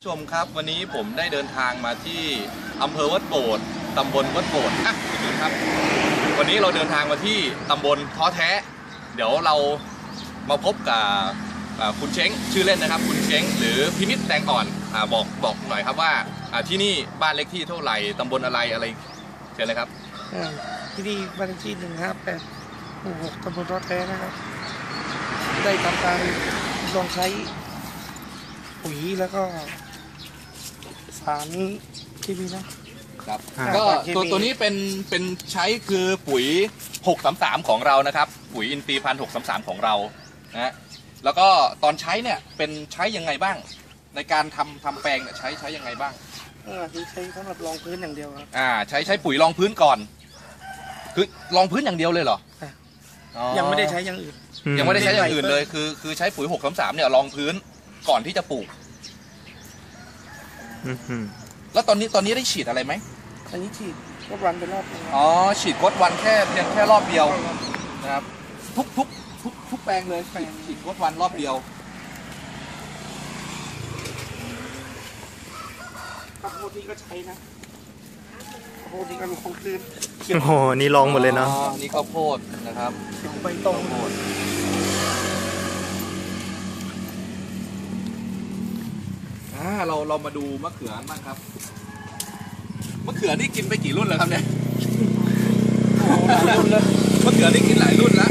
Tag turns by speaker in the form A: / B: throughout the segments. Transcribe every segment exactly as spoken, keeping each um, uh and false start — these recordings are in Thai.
A: ชมครับวันนี้ผมได้เดินทางมาที่อำเภอวัดโบสถ์ตำบลวัดโบสถ์อ่ะดูครับวันนี้เราเดินทางมาที่ตำบลท้อแท้เดี๋ยวเรามาพบกับคุณเช้งชื่อเล่นนะครับคุณเช้งหรือพินิจแตงอ่อนอ่าบอกบอกหน่อยครับว่าที่นี่บ้านเลขที่เท่าไหร่ตำบลอะไรอะไรเชิญเลยครับ
B: ที่นี่บ้านเลขที่หนึ่งห้าแปดหมู่หกตำบลท้อแท้นะครับได้ทำการลองใช้ปุ๋ยแล้วก็สารเคมีนะครับ
A: ก็ตัวตัวนี้เป็นเป็นใช้คือปุ๋ยหกสามสามของเรานะครับปุ๋ยอินทรีย์พันหกสามสามของเรานะแล้วก็ตอนใช้เนี่ยเป็นใช้ยังไงบ้างในการทำทำแปลงเนี่ยใช้ใช้ยังไงบ้าง
B: อ่าที่ใช้สำหรับรองพื้นอย่างเดียวครับ
A: อ่าใช้ใช้ปุ๋ยรองพื้นก่อนคือรองพื้นอย่างเดียวเลยเหรอ
B: ยังไม่ได้ใช้อย่างอื่น
A: ยังไม่ได้ใช้อย่างอื่นเลยคือคือใช้ปุ๋ยหกสามสามเนี่ยรองพื้นก่อนที่จะปลูกแล้วตอนนี้ตอนนี้ได้ฉีดอะไรไหม
B: อันนี้ฉีดกดวันเป็นรอบ
A: อ๋อฉีดกดวันแค่เพียงแค่รอบเดียวนะครับทุกทุกทุกทุกแปลงเลยฉีดกดวันรอบเดียว
B: ข้าวโพดนี่ก็ใช้นะข้าวโพดนี่ก็ลองพื้น
C: โอ้โหนี่ลองหมดเลยเนาะ
A: นี่ข้าวโพดนะครับ
B: ใบตอง
A: โพดอ่าเราเรามาดูมะเขือบ้างครับมะเขือนี่กินไปกี่รุ่นแล้วครับเนี่ยมะเขือนี่กินหลายรุ่นแล้ว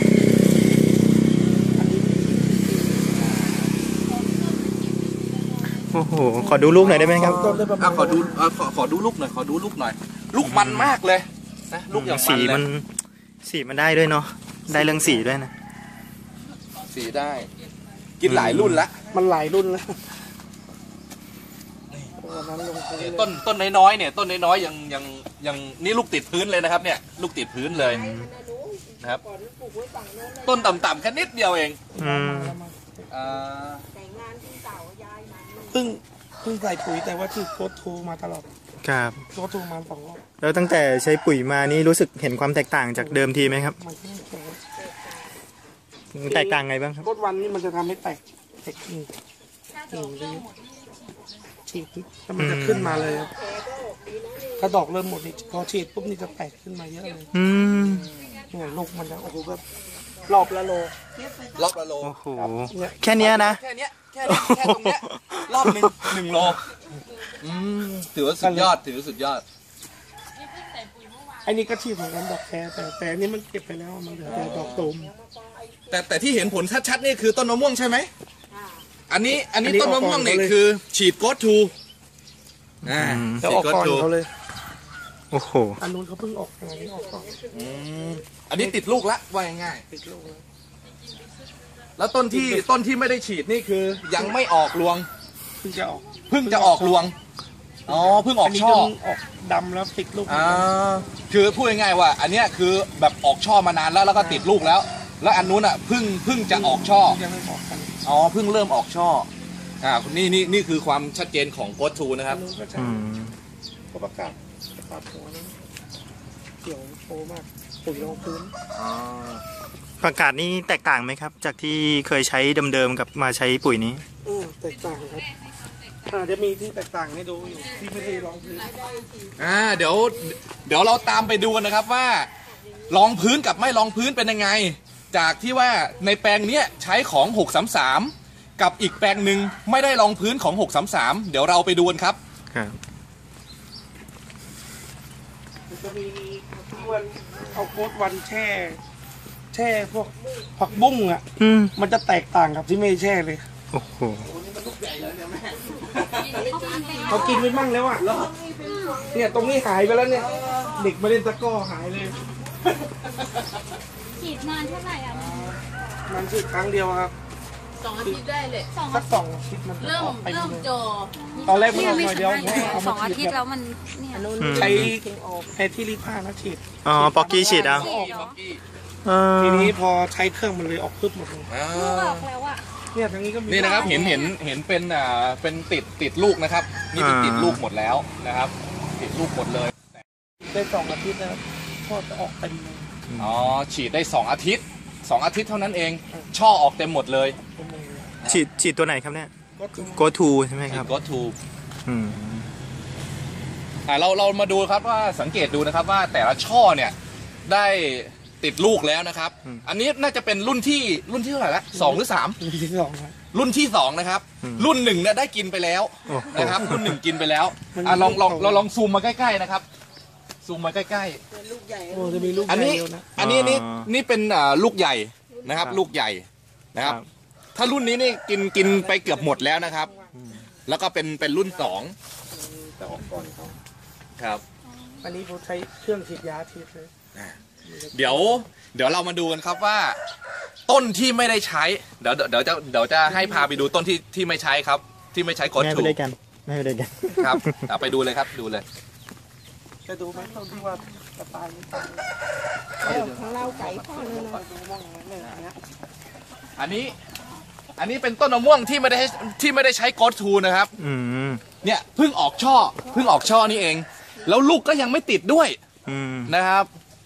C: โอ้โหขอดูลูกหน่อยได้ไหมครับ
A: อ่ะขอดูขอขอดูลูกหน่อยขอดูลูกหน่อยลูกมันมากเลยนะลูกอย่าง
C: สีมันสีมันได้ด้วยเนาะได้เรื่องสีด้วยนะ
A: สีได้กินหลายรุ่นแล้ว
B: มันหลายรุ่นแล้ว
A: ต้นต้นน้อยๆเนี่ยต้นน้อยๆยังยังยังนี่ลูกติดพื้นเลยนะครับเนี่ยลูกติดพื้นเลยนะครับต้นต่ำๆแค่นิดเดียวเอง
B: เพิ่งเพิ่งใส่ปุ๋ยแต่ว่าถือโคตรทูมาตลอด
C: ครับ
B: โคตรทูมาสองรอบ
C: แล้วตั้งแต่ใช้ปุ๋ยมานี่รู้สึกเห็นความแตกต่างจากเดิมทีไหมครับแตกต่างไงบ้างครับ
B: โคตรวันนี้มันจะทำให้แตกแตกกิ่งกิ่งเลยฉีดแล้วมันจะขึ้นมาเลยครับถ้าดอกเริ่มหมดนี่พอฉีดปุ๊บนี่จะแตกขึ้นมาเยอะเลย
C: อืม
B: เนี่ยลูกมันจะโอ้โหแบบรอบละโล
A: รอบละโล
C: โอ้โหแค่นี้นะ
A: แค่นี้แค่นี้แค่ตรงเนี้ยรอบหนึ่งหนึ่งโลอืมถือว่าสุดยอดถือว่าสุดยอด
B: ไอ้นี่ก็ฉีดเหมือนกันดอกแคร์แต่แต่นี่มันเก็บไปแล้วมันเหลือแต่ดอกตูม
A: แต่แต่ที่เห็นผลชัดๆนี่คือต้นมะม่วงใช่ไหมอันนี้อันนี้ต้นมะม่วงเนี่ยคือฉีดโกดทู
B: อ่าฉีดโกดทูเขาเลย
C: โอ้โห
B: อันนู้นเขาเพิ่งออกอันนี้ออกก่อน
A: อันนี้ติดลูกละว่าง่าย
B: ติดลูกแล้ว
A: แล้วต้นที่ต้นที่ไม่ได้ฉีดนี่คือยังไม่ออกรวง
B: เพิ่งจะออก
A: เพิ่งจะออกรวงอ๋อเพิ่งออกช่อ
B: ออกดำแล้วติดลูก
A: อ่าคือพูดง่ายๆว่าอันนี้คือแบบออกช่อมานานแล้วแล้วก็ติดลูกแล้วแล้วอันนู้นอ่ะเพิ่งเพิ่งจะออกช่อ
B: ยังไม่ออกกัน
A: อ๋อเพิ่งเริ่มออกช่ออ่านี่นี่นี่คือความชัดเจนของโกดทูนะครับ
B: อืมก็ประกาศประกาศหัวนั้นเกี่ยวโตมากปุ๋ยรองพื้น
A: อ๋อ
C: ประกาศนี้แตกต่างไหมครับจากที่เคยใช้เดิมๆกับมาใช้ปุ๋ยนี้
B: อือแตกต่างครับอาจจะมีที่แตกต่างให้ดูอยู่ที่ไม่ได้รองพื้น
A: อ่าเดี๋ยวเดี๋ยวเราตามไปดูกันนะครับว่ารองพื้นกับไม่รองพื้นเป็นยังไงจากที่ว่าในแปลงนี้ใช้ของหกสามสามกับอีกแปลงหนึ่งไม่ได้รองพื้นของหกสามสามเดี๋ยวเราไปดูกันครับ
C: ครับ
B: จะมีวันเอาโคตรวันแช่แช่พวกผักบุ้งอ่ะมันจะแตกต่างกับที่ไม่แช่เลย
C: โอ้โห
B: เขากินไปมั่งแล้วอ่ะเนี่ยตรงนี้หายไปแล้วเนี่ยเด็กมาเล่นตะก้อหายเลย
D: ฉีดนานเท่าไหร่อ่ะ
B: มันฉีดครั้งเดียวครับ
D: สองอาทิตย์ได้เลย
B: สักสองอาทิตย์มัน
D: เริ่มเริ่มโจ
B: ตอนแรกมันออกหน่อยเดียว
D: สองอาทิตย์แล้วมันเนี่ย
B: ใช้แอที่รีผ้าแล้วฉีด
C: อ๋อปอกกี้ฉีดอ่ะ
B: ทีนี้พอใช้เครื่องมันเลยออกพึบหมดเลย
D: ลูกออกแล้วอ่ะ
B: เนี่ยทางนี้ก็มี
A: นี่นะครับเห็นเห็นเห็นเป็นอ่าเป็นติดติดลูกนะครับนี่เป็นติดลูกหมดแล้วนะครับติดลูกหมดเลย
B: ได้สองอาทิตย์นะครับช่อจะออกเต็มเลย
A: อ๋อฉีดได้สองอาทิตย์สองอาทิตย์เท่านั้นเองช่อออกเต็มหมดเลย
C: ฉีดฉีดตัวไหนครับเนี่ยโกทูใช่ไหมครับ
A: โกทู
C: อืม
A: อ่าเราเรามาดูครับว่าสังเกตดูนะครับว่าแต่ละช่อเนี่ยได้ติดลูกแล้วนะครับ อันนี้น่าจะเป็นรุ่นที่รุ่นที่เท่าไหร่ละสองหรือสาม
B: รุ่นที่สองครับ
A: รุ่นที่สองนะครับ รุ่นหนึ่งเนี่ยได้กินไปแล้วนะครับ รุ่นหนึ่งกินไปแล้วอ่ะลองลองเราลองซูมมาใกล้ๆนะครับ ซูมมาใกล้
B: โอ้จะมีลูก
A: ๆ อันนี้
B: ใหญ่เดียวนะ
A: อันนี้นี่นี่เป็นอ่าลูกใหญ่นะครับ ลูกใหญ่นะครับ ถ้ารุ่นนี้นี่กินกินไปเกือบหมดแล้วนะครับ แล้วก็เป็นเป็นรุ่นสองครับ
B: อันนี้ผมใช้เครื่องฉีดยาฉีดเลย
A: เดี๋ยวเดี๋ยวเรามาดูกันครับว่า ต้นที่ไม่ได้ใช้เดี๋ยวเดี๋ยวจะเดี๋ยวจะให้พาไปดูต้นที่ที่ไม่ใช้ครับ ที่ไม่ใช้กด
C: แม่
A: ถู
C: ไป
A: ก
C: ด้วยกันแม่ไปด้วยกัน
A: ครับเอาไปดูเลยครับดูเลย
B: จะดูไหมต้นที่ว่าจะตายไม่ตาย
E: ของเราไก่พ่อเลยนะ
B: ดูมองอย่างนั้นเลยนะ
A: อันนี้อันนี้เป็นต้นมะม่วงที่ไม่ได้ที่ไม่ได้ใช้กดทูนะครับ
C: อืม
A: เนี่ยเพิ่งออกช่อเพิ่งออกช่อนี่เอง แล้วลูกก็ยังไม่ติดด้วย
C: อืม
A: นะครับ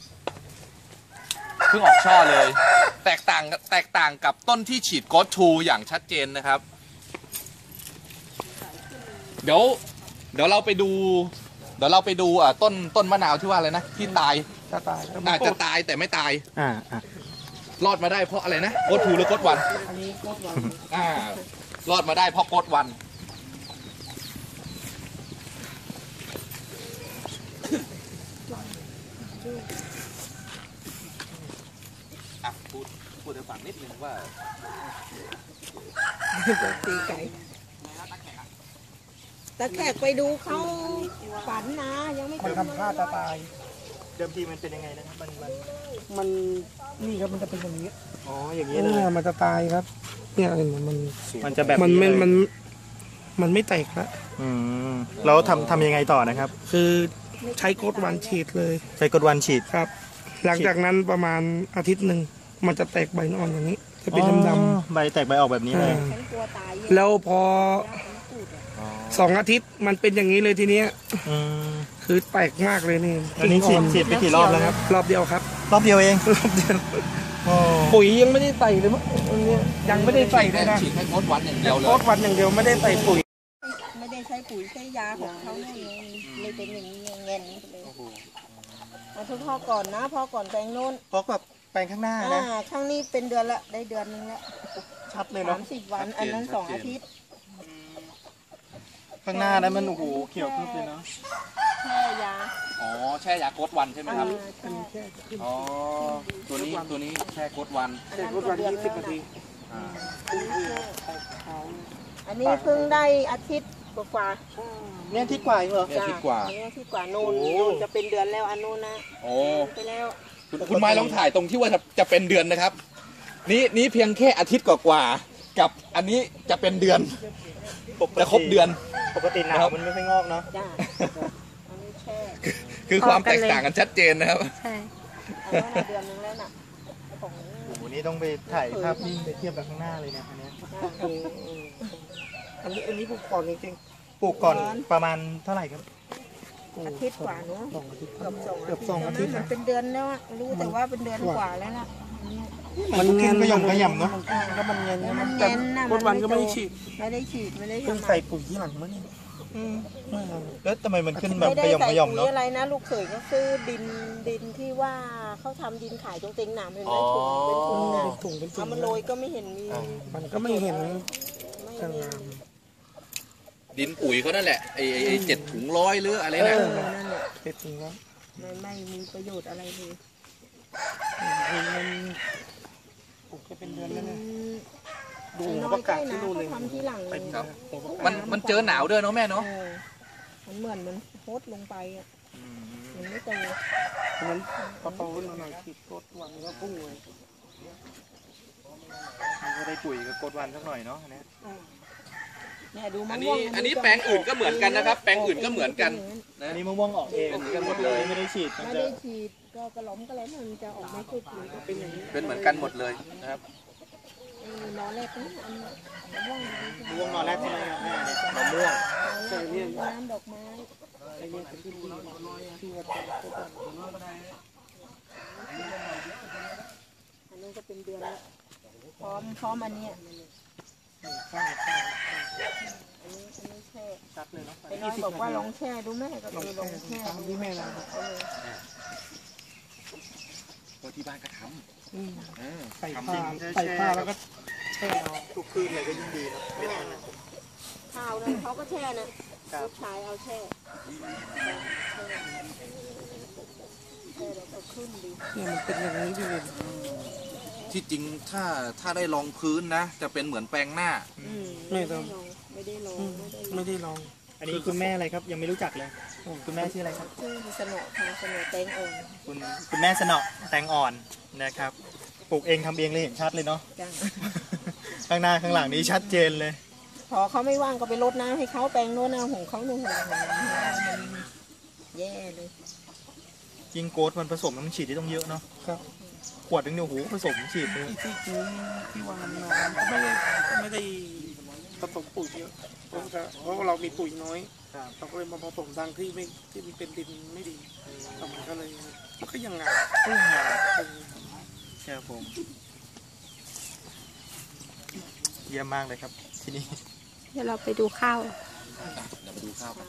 A: เพิ่งออกช่อเลย แตกต่างแตกต่างกับต้นที่ฉีดกดทูอย่างชัดเจนนะครับ เดี๋ยวเดี๋ยวเราไปดู เดี๋ยวเราไปดูอ่ะต้นต้นมะนาวที่ว่าอะไรนะที่ตาย
B: จะตายแล้ว
A: อาจจะตายแต่ไม่ตาย
C: อ่าอ่าร
A: อดมาได้เพราะอะไรนะกดทูหรือกดวัน
B: อันนี้โคตรหวาน
A: อ่ารอดมาได้เพราะกดวันอ่ะพูดพูดให้ฟังนิดนึงว่า
E: ตีไก่ตะแขกไปดูเขาฝันนะยังไม่
B: มันทำท่าจะตาย
C: เดิมทีมันเป็นยังไงนะครับมันมัน
B: มันนี่ครับมันจะเป็นอย่างนี้
C: อ๋ออย่างนี้
B: เนี่
C: เลย
B: ยมันจะตายครับ เนี่ยเห็นไหมมัน
C: มันจะแบบ
B: มันไม่
C: เลย
B: มันมันไม่แตกละ
C: อืมแล้วทำทำยังไงต่อนะครับ
B: คือใช้โคตรหวานฉีดเลย
C: ใช้กดวันฉีด
B: ครับ หลังจากนั้นประมาณอาทิตย์หนึ่งมันจะแตกใบอ่อนอย่างนี้ จะเป็นดำ
C: อ๋อใบแตกใบออกแบบนี้เลย
B: ๆ
E: ฉันกลัวตายเยอะ
B: แล้วพอสองอาทิตย์มันเป็นอย่างนี้เลยทีเนี้ย
C: อืม
B: คือแตกมากเลยนี่
C: อันนี้ฉีดฉีดไปกี่รอบแล้วครับ
B: รอบเดียวครับ
C: รอบเดียวเอง
B: รอบเดียว
C: โอ้
B: ปุ๋ยยังไม่ได้ใส่เลยมั้งอันเนี้ยยังไม่ได้ใส่เลยนะ
A: ฉีดให้กดวันอย่างเดียวเล
B: โค
A: ย
B: ตรวันอย่างเดียวไม่ได้ใส่ปุ๋ย
E: ไม่ได้ใช้ปุ๋ยใช้ยาของเขาเลยเลยเป็นอย่างนี้เงินเลยเอาทุกพ่อก่อนนะพ่อก่อนแปลงโน้น
C: เพราะแบบแปลงข้างหน้า
E: อ่า
C: นะ
E: ข้างนี้เป็นเดือนละได้เดือนนึงละ
C: ชัดเลย
E: สา
C: เนาะ
E: มสิบวันอันนั้นสองอาทิตย์
C: ข้างหน้านั้นมันโอ้โหเขียวขึ้นเลยเนาะ
E: แช่ยา
A: อ๋อแช่ยากดวันใช่ไหมครับ
E: อ่าแช่
A: อ๋อตัวนี้ตัวนี้แช่กดวัน
B: ใส่โคตรวันยี่สิบนาที
A: อ่า
E: อันนี้เพิ่งได้อาทิตย์กว่า
C: เนี่ยที่กว่าเหรอ
A: เนี่ยคิดกว่า
E: อันนี้อาทิตย์กว่านู่นนู่นจะเป็นเดือนแล้วอันนู้นนะ
A: โอ้
E: ไปแล้ว
A: คุณคุณไม้ลองถ่ายตรงที่ว่าจะจะเป็นเดือนนะครับ นี่นี่เพียงแค่อาทิตย์กว่าๆกับอันนี้จะเป็นเดือนจะครบเดือน
C: ปกติหนาวมันไม่ค่อยงอกเนาะ
E: จ้าอันนี้แช่
A: คือความแตกต่างกันชัดเจนนะครับ
D: ใช่
E: อันนั้นน่ะเดือนนึงแล้วน่ะของ
C: โอ้โหนี่ต้องไปถ่ายภาพนิ่งไปเทียบกับข้างหน้าเลยนะอันเนี้ย
B: อันนี้อันนี้ปลูกก่อนจริง
C: ปลูกก่อนประมาณเท่าไหร่ครับ
B: ๆปลูก
E: อาทิตย์กว่าเนาะ
B: สองอาทิตย์
E: เกือบสอง
B: เกือบสองอาทิตย์
E: มั
B: นะ
E: นเป็นเดือนแล้วอะรู้แต่ว่าเป็นเดือนกว่าแล้วล่ะ
C: มันเงินก็ย่อมก็ย่ำเนาะ
B: ก็มันเงิน
E: มัน
B: แต่
E: เงินน่ะ
B: โคตรวันก็ไม่ได้ฉีด
E: ไม่ได้ฉีดไม่ได้
B: เพิ่ง
E: ทำ
B: ใส่ปุ๋ยที่หลังมั้งเนี่ย
C: อืม
B: เมื่อ
C: แล้วทำไมมันขึ้นแบบ
E: ไม่ได้
C: ขย่อม
E: ใส่
C: ขย่อม
E: ปุ๋ย
C: เนาะ
E: อะไรนะลูกเขยก็ซื้อดินดินที่ว่าเขาทำดินขายตรงเต็งหนามเห็นไหมถุงเป็นถุงน่ะ
B: เป็นถุงเป็นถุ
E: เอา
B: ง
E: มาโรยก็ไม่เห็นมี
B: มันก็ไม่เห็น
E: ไม่
B: ส
E: มี
B: งาม
A: ดินปุ๋ยเขานั่นแหละไอ้ไอ้ไอ้เจ็ดถุงร้อยหรืออะไร
E: เอ
A: นะ
E: อนั่นแหละ
B: เป็นถุงแล้ว
E: ไม่ไม่มีประโยชน์อะไรเลย
B: มันปลูกจะเป็นเดือนแล้ว
E: อื
B: เนี่ย
E: ม
B: ดู
E: น้
B: หัว
E: อ
B: ป
E: ย
B: ระ
E: ใก
B: กา
E: ล้
B: ศที่
E: นะ
B: นู่นเล
E: เขา
B: ย
E: ทำที่หลัง
A: ครับ มันมันเจอหนาวด้วยเนาะแม่เนาะ
E: เออมันเหมือนมันโคตรลงไปอ่ะมันไม่โต
B: นั้นพอโตขึ้นมาหน่อยฉีดโคตรวันก็พุ่งเลย
C: มันก็ได้ปุ๋ยกับกดวันสักหน่อยเนาะอันเนี้ย
E: เนี่ยดูมะ
A: อัน
E: ม่
A: นี้
E: วง
A: อันนี้แปลงอื่นก็เหมือนกันนะครับ แปลงอื่นก็เหมือนกันนะ
C: อันนี้มะม่วงออกเอง
A: เหมือนกันหมดเลย
C: ไม่ได้ฉีดมัน
E: ไม่
C: จะ
E: ได้ฉีดก็กระหล้อมกระแหลมมันจะออกไม่สุดเลยก็เป็นอย่างนี้
A: เป็นเหมือนกันหมดเลยนะครับ
E: เออนอนแรกนี่อันมะม่วง
C: มะม่วงนอนแรกใช่ไหมครับแม่เนี่ย
A: มะม่วง
E: ตอนแรกน้ำดอกไม้
B: ไอ้เนี่ยเป็นที่ดีที่ว่าโคตรวัน
E: อันนั้นก็เป็นเดือนละพร้อมพร้อมอันเนี้ย
B: ข้าวข้าว
E: อันนี้อันนี้แช่
B: ชัดเลยเนาะ
E: ไอ้น้อยบอกว่าลองแช่ดูแม่ก็เลยลองแช่
B: ตามที่แม่เรา
E: เออ
A: ก็ที่บ้านก็ท
B: อืม
A: ำเออ
B: ใส่
A: ทำ
B: ผ้า
A: จริง
B: ใส่ผ้าแล้วก็แช่เอา
C: ทุกคืนเลยก็ยิ่งดีนะเม็ดนั้นนะ
E: ข้าวนั้นเขาก็แช่นะลูกชายเอาแช่แช่แช่แล้วก็ขึ้นดี
B: เนี่ยมันเป็นอย่างนี้พี่เวน
A: ที่จริงถ้าถ้าได้ลองพื้นนะ จะเป็นเหมือนแปรงหน้า
E: อืมไม่ได้ลองไม่ได้ลอง
B: อืม
E: ไม่ได้ลอง
B: ไม่ได้ลอง
C: อันนี้คุณแม่อะไรครับยังไม่รู้จักเลย คุณแม่ชื่ออะไรครับ
E: ชื่อสนอทางสนอแตงอ่อน
C: คุณคุณแม่สนอแตงอ่อนนะครับปลูกเองทำเองเลยเห็นชัดเลยเนาะ
E: จ้า
C: ข้างหน้าข้างหลังนี้ชัดเจนเลย
E: พอเขาไม่ว่างก็ไปรดน้ำให้เขาแปลงโน้นน้ำของเขาหนูนแย่เลย
C: ยิงโกดมันผสมมันฉีดที่ต้องเยอะเนาะ
B: ครับ
C: ขวดนึงเนี่ยโอ้โหผสมฉีดเลย
B: ที่ที่ซื้อที่วานมาก็ไม่ได้ไม่ได้ผสมปุ๋ยเยอะเพราะว่าเพราะว่าเรามีปุ๋ยน้อยเราก็เลยมาผสมทางที่ไม่ที่มันเป็นดินไม่ดีแต่มันก็เลยมันก็ยังงาม
C: ก็ยังงาม
B: เออ
C: ครับผมเยี่ยมมากเลยครับที่นี่
D: เดี๋ยวเราไปดูข้าว
A: เดี๋ยวมาดูข้าวกัน